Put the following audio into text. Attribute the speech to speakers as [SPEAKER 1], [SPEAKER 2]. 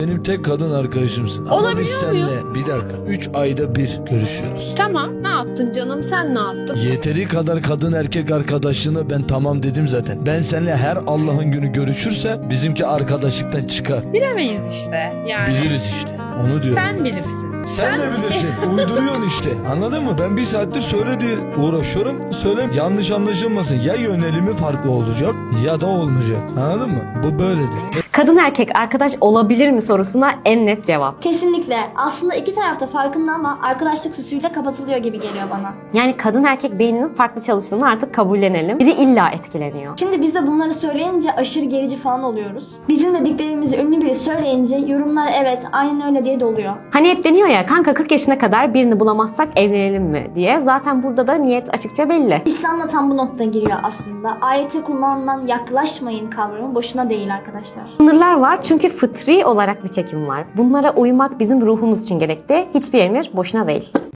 [SPEAKER 1] Benim tek kadın arkadaşımsın. Ama biz
[SPEAKER 2] Olabiliyor
[SPEAKER 1] seninle bir dakika 3 ayda bir görüşüyoruz.
[SPEAKER 2] Tamam, ne yaptın canım, sen ne yaptın?
[SPEAKER 1] Yeteri kadar kadın erkek arkadaşlığını ben tamam dedim zaten. Ben seninle her Allah'ın günü görüşürse bizimki arkadaşlıktan çıkar.
[SPEAKER 2] Bilemeyiz işte yani.
[SPEAKER 1] Biliriz işte. Onu diyorum.
[SPEAKER 2] Sen bilirsin.
[SPEAKER 1] Sen de bilirsin. Uyduruyorsun işte. Anladın mı? Ben bir saattir söyledi uğraşıyorum. Söyle yanlış anlaşılmasın. Ya yönelimi farklı olacak ya da olmayacak. Anladın mı? Bu böyledir.
[SPEAKER 3] Kadın erkek arkadaş olabilir mi sorusuna en net cevap.
[SPEAKER 4] Kesinlikle. Aslında iki tarafta farkında ama arkadaşlık süsüyle kapatılıyor gibi geliyor bana.
[SPEAKER 3] Yani kadın erkek beyninin farklı çalıştığını artık kabullenelim. Biri illa etkileniyor.
[SPEAKER 4] Şimdi biz de bunları söyleyince aşırı gerici falan oluyoruz. Bizim dediklerimizi ünlü biri söyleyince yorumlar evet aynen öyle diye doluyor.
[SPEAKER 3] Hani hep deniyor ya kanka 40 yaşına kadar birini bulamazsak evlenelim mi diye. Zaten burada da niyet açıkça belli.
[SPEAKER 4] İslam'da tam bu nokta giriyor aslında. Ayette kullanılan yaklaşmayın kavramı boşuna değil arkadaşlar.
[SPEAKER 3] Sınırlar var çünkü fıtri olarak bir çekim var. Bunlara uymak bizim ruhumuz için gerekli. Hiçbir emir boşuna değil.